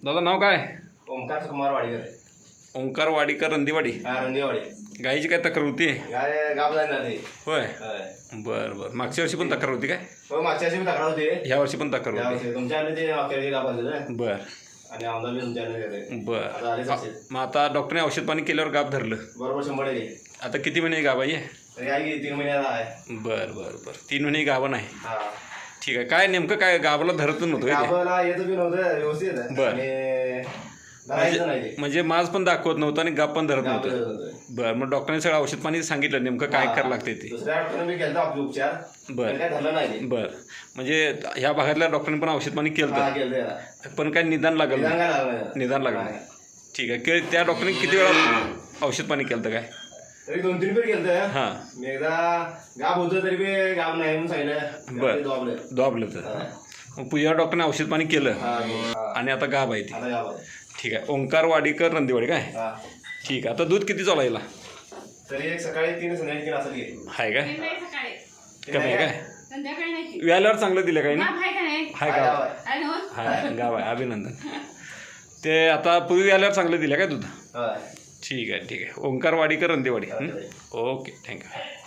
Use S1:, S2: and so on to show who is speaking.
S1: दादा नाव काय?
S2: ओंकार कुमार वाडीकर.
S1: ओंकार वाडीकर, रंदीवाडी.
S2: रंदीवाडी.
S1: गायीची काय तक्रार होती?
S2: गाय गाब जाणार नाही.
S1: होय. बरं बरं. मागच्या वर्षी पण तक्रार होती काय?
S2: हो, मागच्या वर्षी तक्रार होती.
S1: ह्या वर्षी पण तक्रार होती.
S2: तुमच्या ते मागच्या वर्षी गाब झालं.
S1: बरं.
S2: आणि आमदार बी तुमच्या
S1: बरं. मग आता डॉक्टरने औषध पाणी केल्यावर गाब धरलं?
S2: बरोबर 100%.
S1: आता किती महिने गाब आहे?
S2: तरी आहे की 3 महिन्याला आहे.
S1: बरं बरं बरं. 3 महिने गाभा नाही.
S2: हा
S1: ठीक आहे. काय नेमकं काय गावाला धरत नव्हतं?
S2: गावाला येत बी नव्हतं व्यवस्थित.
S1: बरं.
S2: आणि
S1: म्हणजे माज पण दाखवत नव्हतं आणि गाप पण धरत नव्हतं. बरं. मग डॉक्टरने सगळं औषध पाणी सांगितलं नेमकं काय करायला लागते ते?
S2: दुसऱ्या डॉक्टरने बी केलं आपले उपचार.
S1: बरं.
S2: काय झालं नाही.
S1: बरं. म्हणजे ह्या भागातल्या डॉक्टरांनी पण औषध पाणी केलं पण काय निदान लागलं? निदान लागलं नाही. ठीक आहे. त्या डॉक्टरने किती वेळा औषध पाणी केलं काय?
S2: तरी 2-3 फेर केलं.
S1: हां.
S2: मी एकदा गाब होतं तरी बी गाब नाही म्हणून सांगितलं.
S1: बरं. दाबलं तर मग पुढच्या डॉक्टरने औषध पाणी केलं आणि आता गाब आहे ती. ठीक आहे. ओंकार वाडीकर, रंदीवाडी काय? ठीक आहे. आता दूध किती चालू आहे?
S2: तरी एक सकाळी 3 संध्याकाळी 3 असं घे.
S1: आहे काय? कमी आहे काय? व्याल्यावर चांगलं दिलं काय? हाय गाव. हाय गाव आहे. अभिनंदन. ते आता पूर्वी व्याल्यावर चांगलं दिलं काय दूध? ठीक आहे. ठीक आहे. ओंकार वाडीकर, रंदीवाडी. ओके. थँक्यू.